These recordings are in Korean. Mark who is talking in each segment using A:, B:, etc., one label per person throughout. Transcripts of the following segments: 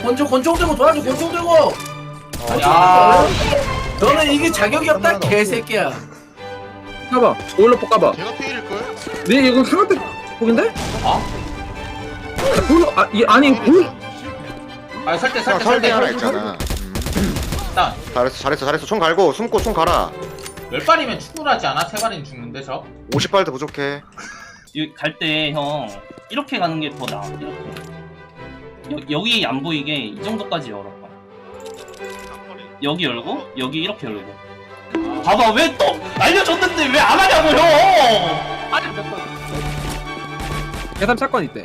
A: 권총 들고 도와줘. 권총 들고.
B: 야
A: 너는 이게 자격이 없다 개새끼야.
C: 까봐. 오일러 폭 까봐.
D: 걔가 피일걸?
C: 네 이거 상한대 폭인데?
B: 어?
C: 오일러 아니 볼.
B: 아 설대
D: 설대 하나 있잖아.
B: 일단
D: 잘했어. 총 갈고 숨고 총 갈아.
B: 10발이면 충분하지 않아? 3발이면 죽는데 저?
D: 50발도 부족해.
E: 갈 때 형 이렇게 가는 게 더 나아. 이렇게 여기 안 보이게 이 정도까지 열어. 여기 열고 여기 이렇게 열고. 봐봐 왜 또 알려줬는데 왜 안 하냐고 형.
C: 계산 사건 있대.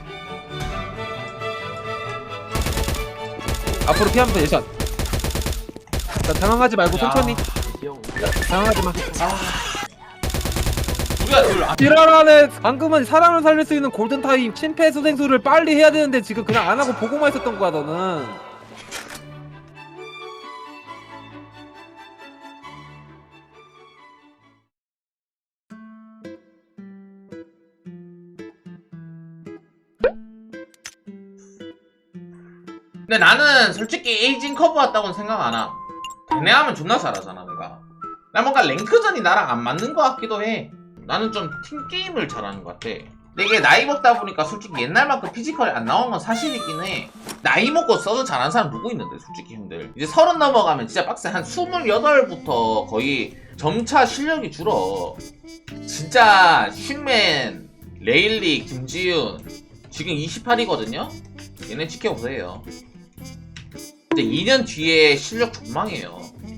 C: 앞으로 피하면서 예샷. 자, 당황하지 말고 천천히. 당황하지 마.
B: 우리가 둘
C: 지랄하네. 방금은 사람을 살릴 수 있는 골든타임 심폐소생술을 빨리 해야 되는데 지금 그냥 안 하고 보고만 있었던 거야 너는.
B: 근데 나는 솔직히 에이징 커브 왔다고는 생각 안 함. 걔네 하면 존나 잘하잖아 내가. 나 뭔가 랭크전이 나랑 안 맞는 것 같기도 해. 나는 좀 팀게임을 잘하는 것 같아. 근데 이게 나이 먹다 보니까 솔직히 옛날만큼 피지컬이 안 나온 건 사실이긴 해. 나이 먹고 써도 잘하는 사람 누구 있는데 솔직히 형들. 이제 30 넘어가면 진짜 빡세. 한 28부터 거의 점차 실력이 줄어. 진짜 슌맨, 레일리, 김지윤 지금 28이거든요? 얘네 지켜보세요. 근데 2년 뒤에 실력 존망해요.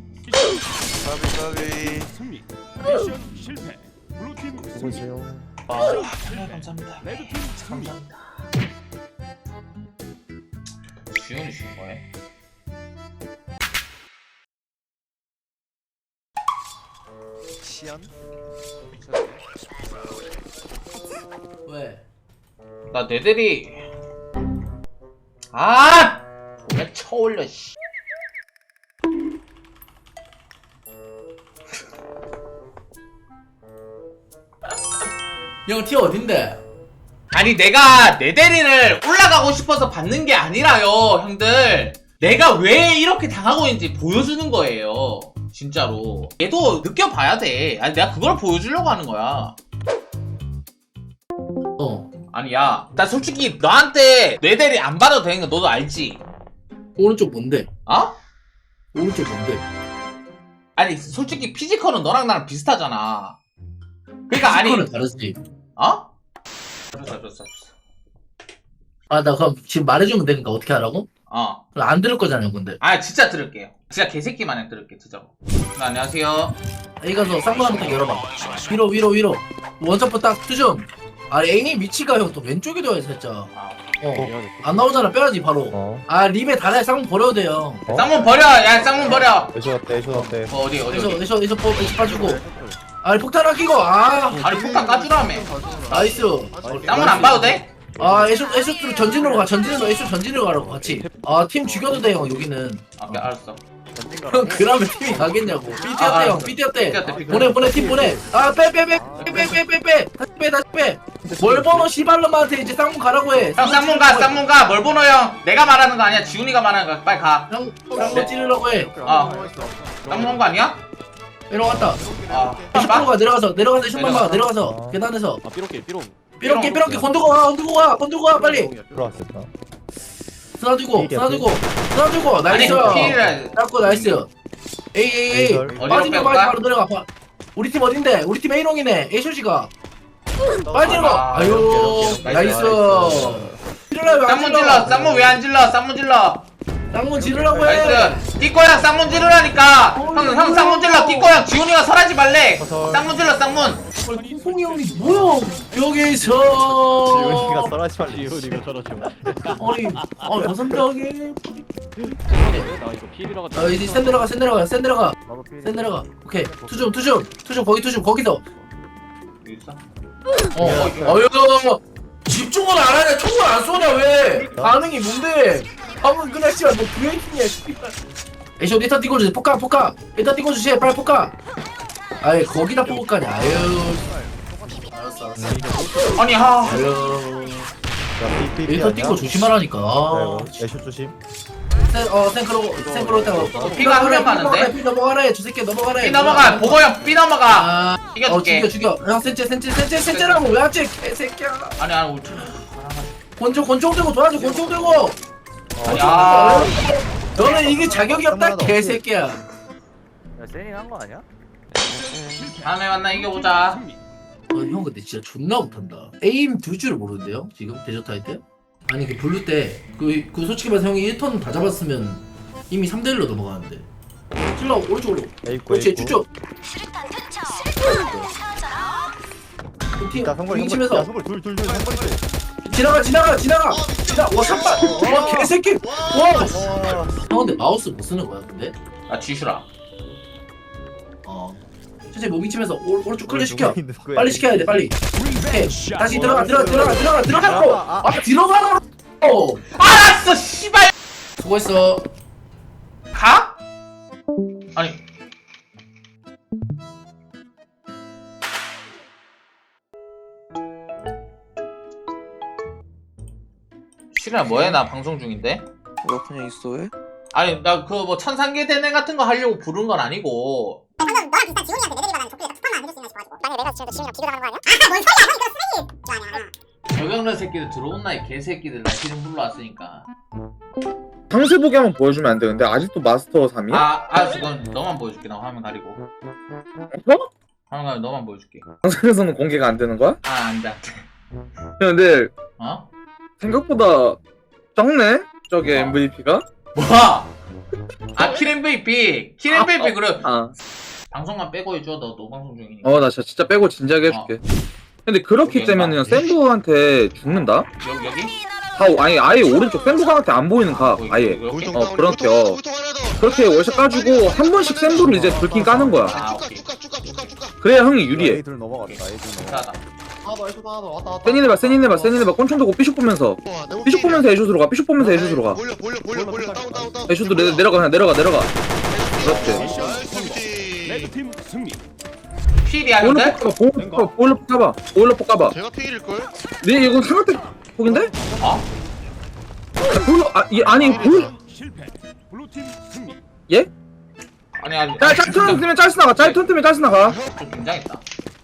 D: 까비.
F: 미션 실패. 블루팀 승리.
B: 감사합니다. 감사합니다. 지훈이 준 거에.
D: 시연?
A: 왜?
B: 나 내대리. 아! 왜 쳐올려 씨.
A: 형 티 어딘데?
B: 아니 내가 내대리를 올라가고 싶어서 받는 게 아니라요 형들. 내가 왜 이렇게 당하고 있는지 보여주는 거예요 진짜로. 얘도 느껴봐야 돼. 아니 내가 그걸 보여주려고 하는 거야. 아니 야, 나 솔직히 너한테 내대리 안 받아도 되는 거 너도 알지?
A: 오른쪽 뭔데?
B: 어?
A: 오른쪽 뭔데?
B: 아니 솔직히 피지컬은 너랑 나랑 비슷하잖아. 그러니까 아니
A: 피지컬은 다르지.
B: 어? 줬어.
A: 아 나 그럼 지금 말해주면 되니까 어떻게 하라고?
B: 어.
A: 그럼 안 들을 거잖아요 근데.
B: 아 진짜 들을게요. 진짜 개새끼 마냥 들을게 진짜로. 안녕하세요.
A: 여기 가서 쌍문 한번 딱 열어봐. 위로. 원점프 딱 투점. 아 에임 위치가 형 또 왼쪽에 둬야 살짝. 안 나오잖아 빼야지 바로. 아 립에 달아야 쌍문 버려도 돼요.
B: 쌍문 버려. 야 쌍문 버려.
G: 애쇼 어때?
B: 어디
A: 에서 빠지고. 아 폭탄 아끼고. 아
B: 아니 폭탄 까주라며.
A: 나이스.
B: 쌍문 안 봐도 돼?
A: 아 에쇼 전진으로 가. 에쇼 전진으로 가라고 같이. 아 팀 죽여도 돼 형 여기는.
B: 아 알았어.
A: 형 그러면 팀이 가겠냐고. 삐뛰었대
B: 아,
A: 형 삐뛰었대.
B: 삐뛰었대.
A: 보내 팀 보내. 아 빼 다시 빼. 뭘 번호 시발놈한테 이제 쌍문 가라고 해.
B: 형 쌍문 가. 뭘 보노 형? 내가 말하는 거 아니야. 지훈이가 말하는 거야. 빨리 가.
A: 쌍문 찌르려고 해.
B: 쌍문 온 거 아니야?
A: 내려갔다.
B: 아.
A: 슈퍼로 가 내려가서 슛만 봐 내려가서 계단에서. 삐롱게 건들고 가 빨리.
G: 들어왔었다.
A: 쓰나주고
B: 아니
A: 나이스.
B: 피를
A: 잡고 나이스. 에이
B: 어디로
A: 빠지면
B: 빼볼까?
A: 바로 내려가. 우리 팀 어딘데? 우리 팀 A롱이네. A쇼시가 빠지는 거.
B: 아,
A: 아유 나이스.
B: 쌍문 질러. 쌍문 왜 안 질러? 쌍문 질러.
A: 쌍문 지르라고 해.
B: 나이스. 띠꼬양 쌍문 지르라니까. 형 쌍문 질러. 띠꼬양 지훈이가 설하지 말래. 쌍문 질러 쌍문.
A: 홍이 형이 뭐야 여기서.
G: 지훈이가 썰하지 말래.
F: 지훈이가 저러죠.
A: 아니 다섯 명이. 이제 센 내려가. 오케이 투줌 거기서. 어휴 집중을 안 하냐. 총을 안 쏘냐 왜. 반응이 뭔데. 방금 그냥 씨발 뭐 브레이킹이야. 에이쇼 일단 띄워주세요. 포카 일단 띄워주세요. 빨리 포카. 아이 거기다 뽑을까냐. 아유 알았어
B: 아니 하.
A: 아유 에이터 띵거 조심하라니까.
G: 애쇼 조심.
A: 생크로 때가
B: 피가 한명 가는데?
A: 피 넘어가래. 저 새끼 넘어가래.
B: B 넘어가. 보고 형 B 넘어가.
A: 아,
B: 이겨줄게.
A: 죽여. 형 센체라고 왜 하지? 개새끼야.
B: 아니 우측.
A: 권총 들고 도와줘. 권총 들고.
B: 야.
A: 너는 이게 자격이 없다.
G: 하나도
A: 개새끼야.
G: 야 세닝 한거 아니야?
B: 다음에 만나 이겨보자.
A: 형 근데 진짜 존나 못한다. 에임 둘 줄을 모르는데요? 지금 데저트 할 때? 아니 그 블루 때 그 솔직히 말해서 형이 1턴 다 잡았으면 이미 3대1로 넘어가는데. 찔러 오른쪽으로.
G: 에이코
A: 그렇지 쭉쭉.
G: 야 성걸
A: 치면서
G: 성걸 둘 성걸
A: 지나가. 와 샷발. 와 개새끼. 와. 형 근데 마우스 못 쓰는 거야 근데?
B: 아 지슈라.
A: 천천히 무빙 치면서 오른쪽 클릭 시켜. 빨리 시켜야 돼 빨리. 오케이. 다시 들어가고. 들어가라고.
B: 알았어 씨발.
A: 수고했어.
B: 가? 아니. 실이야 뭐해? 나 방송 중인데.
H: 너 그냥 있어 왜?
B: 아니 나 그 뭐 천상계 대회 같은 거 하려고 부른 건 아니고.
I: 방금 너랑 비슷한 지훈이한테 내들이 받는 족구에서 투판만 안 해줄 수 있나 싶어가지고 만약에 내가 지금 지훈이랑 비교를 하는 거 아니야? 아뭔 소리야 너 이거 쓰레기 거 아니야.
B: 저경래 새끼들 들어온 나이 개새끼들 나 지금 불러왔으니까.
J: 상세보기 한번 보여주면 안 돼. 근데 아직도 마스터 3이야?
B: 그건 너만 보여줄게. 나 화면 가리고. 화면 가리고 너만 보여줄게.
J: 방송에서는 공개가 안 되는 거야?
B: 안돼.
J: 근데
B: 어?
J: 생각보다 적네? 저게 MVP가?
B: 뭐야? 킬 MVP 그래. 방송만 빼고 해줘. 너 노방송 중이니까.
J: 나 진짜 빼고 진지하게 해줄게. 근데 그렇기
B: 여기
J: 때문에 샌드한테 죽는다?
B: 여기?
J: 아예 오른쪽 샌드강한테 안 보이는 각 아예.
B: 이렇게?
J: 그렇게 그렇게 월샷 까주고 한 번씩 샌드를 이제 불킨 까는 거야.
B: 오케이.
J: 그래야 형이 유리해.
G: A둘 넘어갔다 A둘 넘어갔다.
B: 괜찮아.
J: 세닌 해봐 꼰총 들고 삐쇼 보면서 애슛으로 가. 삐쇼 보면서 애슛으로 가. 애슛도 내려가. 그렇지.
F: 레드팀 승리.
B: 필이야 근데?
J: 보일러 폭 까봐.
D: 제가 피일걸?
J: 네 이건 상한대 폭인데?
B: 어?
J: 아니 보일
F: 실패. 블루팀 승리.
J: 예?
B: 아니.
J: 짤 뜨면 짤스 나가.
B: 좀 긴장했다.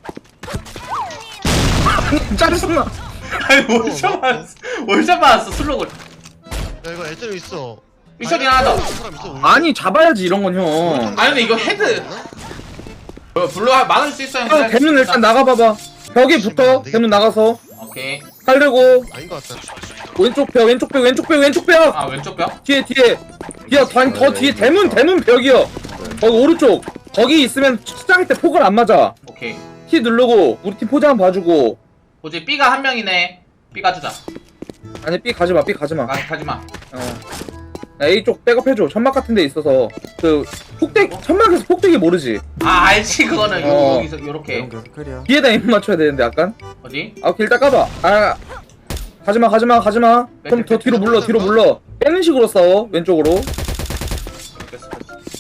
J: 짤스 나.
B: 아니 월샷 맞았어 슬로걸.
D: 야 이거 애들 있어.
B: 미션이 하나 더.
D: 사람 있어.
J: 아니 잡아야지 이런 건 형.
B: 아니 근데 이거 헤드. 블루 막을 수 있어 형.
J: 대문 일단 나가봐봐. 벽에 붙어. 대문 나가서
B: 오케이.
J: 살려고.
D: 아닌 것 같아.
J: 왼쪽 벽.
B: 왼쪽 뼈?
J: 뒤에 더 뒤에 대문 벽이요. 거기 오른쪽. 거기 있으면 시작할 때 폭을 안 맞아.
B: 오케이.
J: T 누르고 우리 팀 포즈 한번 봐주고.
B: 뭐지 B가 한 명이네. B 가주자.
J: 아니 B 가지마.
B: 가지마.
J: 야, A 쪽 백업해줘. 천막 같은 데 있어서 그 천막에서 폭대기 모르지.
B: 알지 그거는 여기서 요렇게.
J: 뒤에다 에임 맞춰야 되는데 약간.
B: 어디?
J: 오케이 일단 까봐. 가지마. 그럼 더 뒤로 물러. 빼는 식으로 싸워. 왼쪽으로.
B: 뺐어.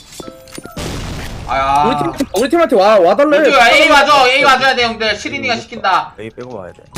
B: 아야.
J: 우리 팀한테 와달래.
B: A 와줘야 돼 형들. 시린이가 시킨다.
G: A 빼고 와야 돼.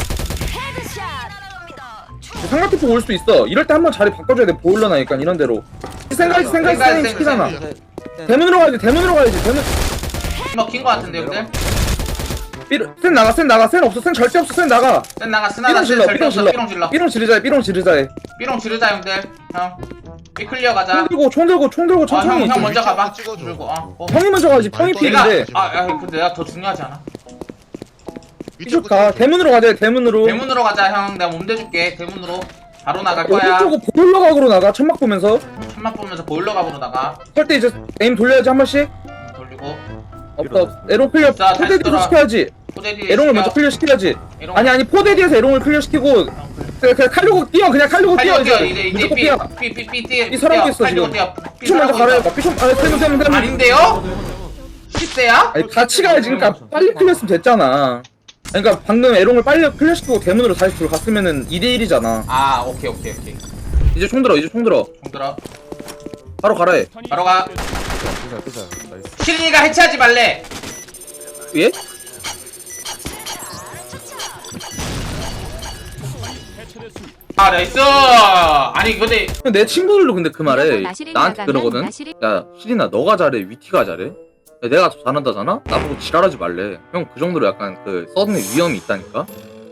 J: 상가티프 올 수 있어. 이럴 때 한번 자리 바꿔줘야 돼. 보일러 나니까 이런 대로. 생각이 시키잖아. 대문으로 가야지. 대문.
B: 먹힌 거 같은데 형들.
J: 센 나가. 센 없어. 센 절대 없어. 센 나가.
B: 센 나가 스나가
J: 삐롱
B: 절대 없어. 삐롱 질러.
J: 삐롱 지르자 해.
B: 삐롱 지르자 형들. 형. B 클리어 가자.
J: 총 들고 천천히.
B: 형 먼저 가봐.
D: 찍어줘.
B: 그리고
J: 형이 먼저 가야지. 형이 필인데.
B: 근데 내가 더 중요하지 않아?
J: 이쪽 가. 대문으로 가자. 대문으로
B: 가자 형. 내가 몸 대줄게. 대문으로 바로 나갈 거야.
J: 오른쪽으로 보일러 각으로 나가. 천막 보면서.
B: 천막 보면서 보일러 각으로 나가.
J: 할 때 이제 에임 돌려야지 한 번씩.
B: 돌리고.
J: 없다. 에롱 클리어.
B: 자, 다시
J: 포데디에서
B: 돌아.
J: 시켜야지.
B: 포데디.
J: 에롱을 먼저 클리어 시켜야지.
B: 에롱.
J: 아니 포데디에서 에롱을 클리어 시키고 그냥 칼려고 뛰어.
B: 이제
J: 무조건 뛰어.
B: 삐
J: 이 사람도 있어, 지금. 삐좀 먼저 갈아야봐. 삐좀 대문.
B: 아닌데요? 10대야?
J: 아니 같이 가야지. 그러니까 빨리 클리어했으면 됐잖아. 그러니까 방금 에롱을 빨리 클리어 시키고 대문으로 다시 들어갔으면은 2대1이잖아.
B: 오케이.
J: 이제 총 들어.
B: 총 들어.
J: 바로 가라 해.
B: 바로 가.
G: 끄자. 나이스.
B: 시린이가 해체하지 말래.
J: 예?
F: 해체됐습니다.
B: 아 나이스. 아니 근데
J: 내 친구들도 근데 그 말해
H: 마시린
J: 나한테
H: 나가면
J: 그러거든.
H: 마시린-
J: 야 시린아 너가 잘해 위티가 잘해? 야, 내가 더 잘한다잖아? 나보고 지랄하지 말래. 형 그 정도로 약간 그 서든의 위험이 있다니까.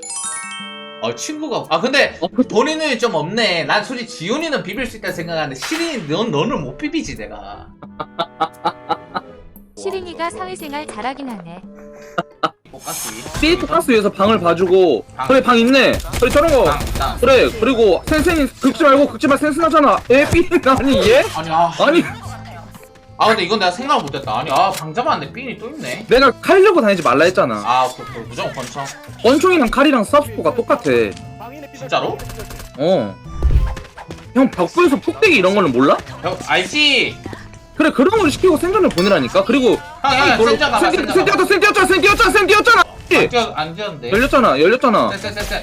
B: 친구가 근데 본인은 좀 없네. 난 솔직히 지훈이는 비빌 수 있다 생각하는데 시린이 너는 못 비비지 내가.
H: 시린이가 사회생활 잘하긴 하네.
B: 똑같이.
J: 삐 토카스 위해서 방을 봐주고 그래 방 있네. 그래 저런 거.
B: 나.
J: 그래 그리고 센센이 긁지 말고 긁지 마 센스나잖아. 삐 아니 얘?
B: 아니
J: 아니
B: 근데 이건 내가 생각을 못했다. 아니 방잡았는데 삔이 또 있네.
J: 내가 칼려고 다니지 말라 했잖아.
B: 그 무조건 권총.
J: 권총이랑 칼이랑 스탑스코가 똑같아.
B: 진짜로?
J: 형 벽부에서 폭대기 이런 거는 몰라?
B: 알지.
J: 그래 그런 걸 시키고 생존을 보내라니까. 그리고
B: 형 센장 가봐.
J: 센 뛰었잖아.
B: 안 뛰었는데.
J: 열렸잖아.
B: 쎄.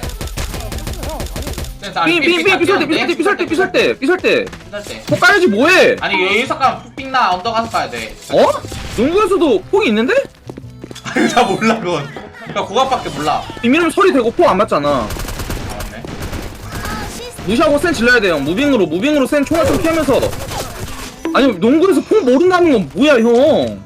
J: 삐설때 폭 까야지 뭐해?
B: 아니 여기서 가면 픽나 언더 가서 가야 돼.
J: 어? 농구에서도 폭이 있는데?
B: 아니 나 몰라 그건. 나 그거밖에 몰라.
J: 이민은 소리 되고 폭 안 맞잖아.
B: 맞네.
J: 무시하고 센 질러야 돼요. 무빙으로 센 총알 좀 피하면서. 아니 농구에서 폭 모른다는 건 뭐야 형?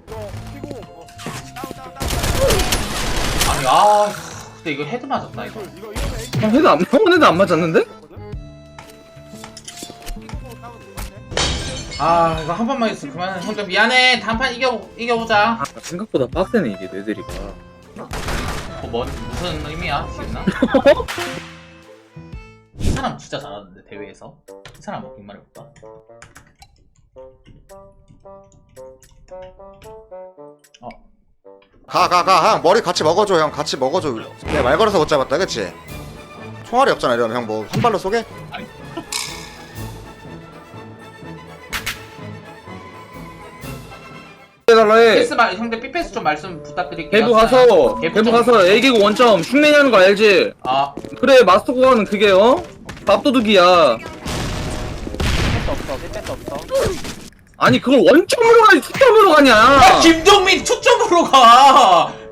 B: 아니 근데 이거 헤드 맞았다 이거.
J: 형은 헤드 안 맞았는데?
B: 이거 한 번만 있어 그만해. 형들 미안해. 다음 판 이겨보자.
J: 생각보다 빡세네 이게 내들이가.
B: 무슨 의미야 지금? 이 사람 진짜 잘하는데 대회에서. 이 사람 뭐 빅말해볼까?
K: 형 머리 같이 먹어줘. 형 같이 먹어줘. 내가 말 걸어서 못 잡았다 그치? 총알이 없잖아. 이러면 형 뭐 한 발로 쏘게?
J: 해달라 해.
B: 패스 형들 삐패스 좀 말씀 부탁드릴게요.
J: 대부 가서 애기고 원점 흉내내는 거 알지? 그래 마스터 구간은 그게 밥도둑이야. 아니 그걸 원점으로 가지 투점으로 가냐?
B: 김동민 초점으로 가.